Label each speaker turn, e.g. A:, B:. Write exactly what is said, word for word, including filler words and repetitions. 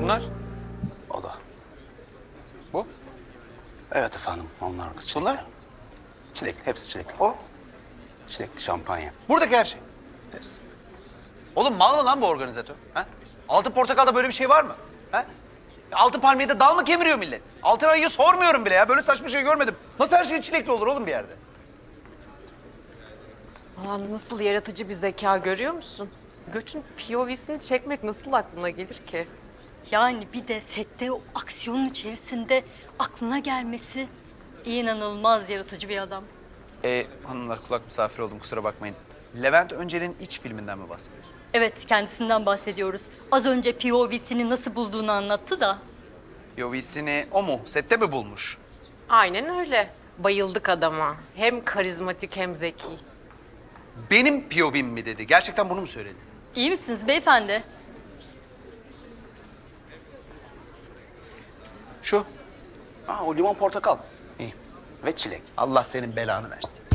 A: Şunlar?
B: O da.
A: Bu?
B: Evet efendim, onlar da çilek.
A: Bunlar?
B: Çilek, hepsi çilekli.
A: O?
B: Çilekli şampanya.
A: Buradaki her şey.
B: Hepsi.
A: Oğlum mal mı lan bu organizatör? Ha? Altın portakalda böyle bir şey var mı? Ha? Altın palmiyede dal mı kemiriyor millet? Altın ayıyı sormuyorum bile ya. Böyle saçma şey görmedim. Nasıl her şey çilekli olur oğlum bir yerde?
C: Aa, nasıl yaratıcı bir zeka görüyor musun? Göç'ün P O V'sini çekmek nasıl aklına gelir ki?
D: Yani bir de sette o aksiyonun içerisinde aklına gelmesi inanılmaz yaratıcı bir adam.
A: Ee, hanımlar kulak misafir oldum kusura bakmayın. Levent Öncel'in iç filminden mi bahsediyorsun?
D: Evet, kendisinden bahsediyoruz. Az önce P O V'sini nasıl bulduğunu anlattı da.
A: P O V'sini o mu? Sette mi bulmuş?
C: Aynen öyle. Bayıldık adama. Hem karizmatik hem zeki.
A: Benim P O V'm mi dedi? Gerçekten bunu mu söyledi?
D: İyi misiniz beyefendi?
A: Şu.
B: Aa, o limon portakal. İyi. Ve çilek.
A: Allah senin belanı versin.